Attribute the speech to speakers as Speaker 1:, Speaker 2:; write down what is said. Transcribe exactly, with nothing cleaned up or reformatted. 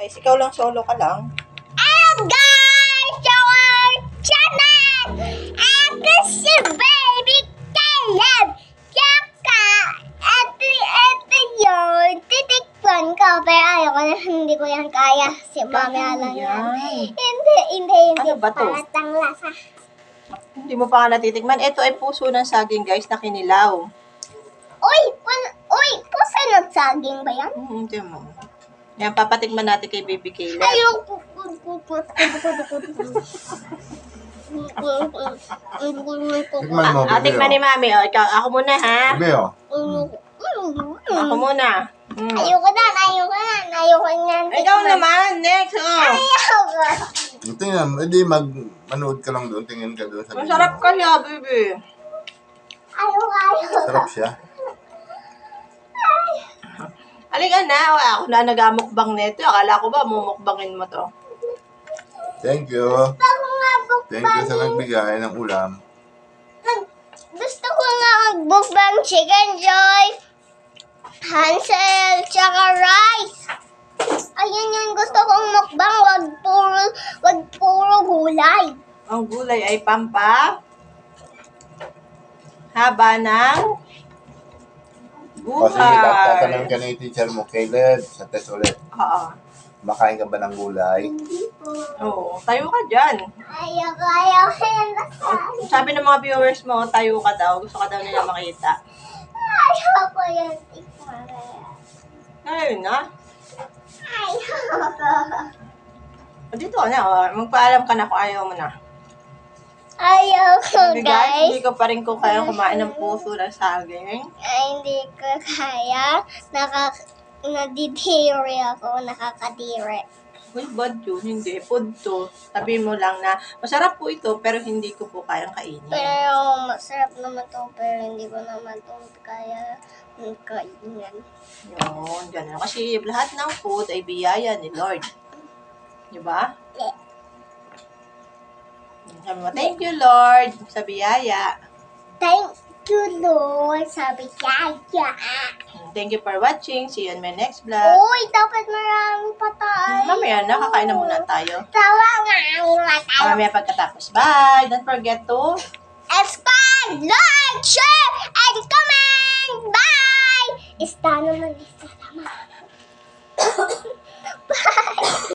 Speaker 1: guys. Ikaw lang, solo ka lang.
Speaker 2: Hello guys! Our channel! Ako si Baby Caleb! Tsaka, eto, eto yun. Titikpan ko. Pero ayoko na, hindi ko yan kaya. Si Mami alam yan. Hindi, hindi, hindi.
Speaker 1: Ano ba to?
Speaker 2: Paratang lasa.
Speaker 1: Hindi mo pa nga natitikman. Ito ay puso ng saging, guys, na kinilaw.
Speaker 2: Uy! Pun, uy! Pusa ng saging ba yan?
Speaker 1: Hmm, hindi mo. Yan, papatikman natin kay Baby Caleb.
Speaker 2: Ayoko.
Speaker 3: Tikman mo,
Speaker 1: Ah,
Speaker 3: bebe,
Speaker 1: tikman ni
Speaker 3: oh.
Speaker 1: Mami. O, ikaw, ako muna, ha?
Speaker 3: Bebe, oh.
Speaker 1: Ako muna. Mm.
Speaker 2: Ayoko na, ayoko na, ayoko na.
Speaker 1: Ikaw naman, next. Oh.
Speaker 2: Ayoko.
Speaker 3: Tingnan, edi mag, manood ka lang doon, tingin ka doon sa video.
Speaker 1: Masarap kaya, baby.
Speaker 2: Ayoko, ayoko.
Speaker 3: Sarap siya.
Speaker 1: Halika na. O, ako na nagamukbang nito. Akala ko ba mumukbangin mo to?
Speaker 3: Thank you.
Speaker 2: Ako nga
Speaker 3: Thank you sa nagbigay ng ulam.
Speaker 2: Nag- gusto ko nga magbukbang chicken joy, Hansel, tsaka rice. Ayun yung gusto kong mukbang, wag puro, wag puro gulay.
Speaker 1: Ang gulay ay pampa. Haba ng
Speaker 3: O sige, tatanungin
Speaker 1: buhay.
Speaker 3: ka ni teacher mo, Caleb, sa test ulit.
Speaker 1: Oo.
Speaker 3: Makain ka ba ng gulay?
Speaker 2: Hindi po.
Speaker 1: Oo. Tayo ka dyan.
Speaker 2: Ayoko, ayoko yan.
Speaker 1: Sabi ng mga viewers mo, tayo ka daw. Gusto ka daw nila makita.
Speaker 2: Ayoko yan. Tikman.
Speaker 1: Ayun na.
Speaker 2: Ayoko.
Speaker 1: O, dito ka na. O. Magpaalam ka na kung ayaw mo na.
Speaker 2: Ayoko,
Speaker 1: Sabi, guys,
Speaker 2: guys.
Speaker 1: hindi ko pa rin ko kaya kumain ng puso ng saging.
Speaker 2: Ay, hindi ko kaya. Naka, nadidiri ako. Nakakadiri.
Speaker 1: Uy, bad yun. Hindi. Food to. Sabi mo lang na, masarap po ito, pero hindi ko po kayang kainin.
Speaker 2: Pero masarap naman to. Pero hindi ko naman to kaya kainin.
Speaker 1: Yun, ganun. Kasi lahat ng food ay biyaya ni Lord. Di ba?
Speaker 2: Yeah.
Speaker 1: Sabi mo, thank you, Lord, sa biyaya.
Speaker 2: Thank you, Lord. Sabi kaya.
Speaker 1: Thank you for watching. See you on my next vlog.
Speaker 2: Uy, dapat marami pa tayo.
Speaker 1: Mamaya na, kakain na muna tayo.
Speaker 2: Tawa nga. Iwa tayo.
Speaker 1: Mamaya pagkatapos. Bye! Don't forget to
Speaker 2: Subscribe, like, share, and comment. Bye! Está naman, está naman. Bye!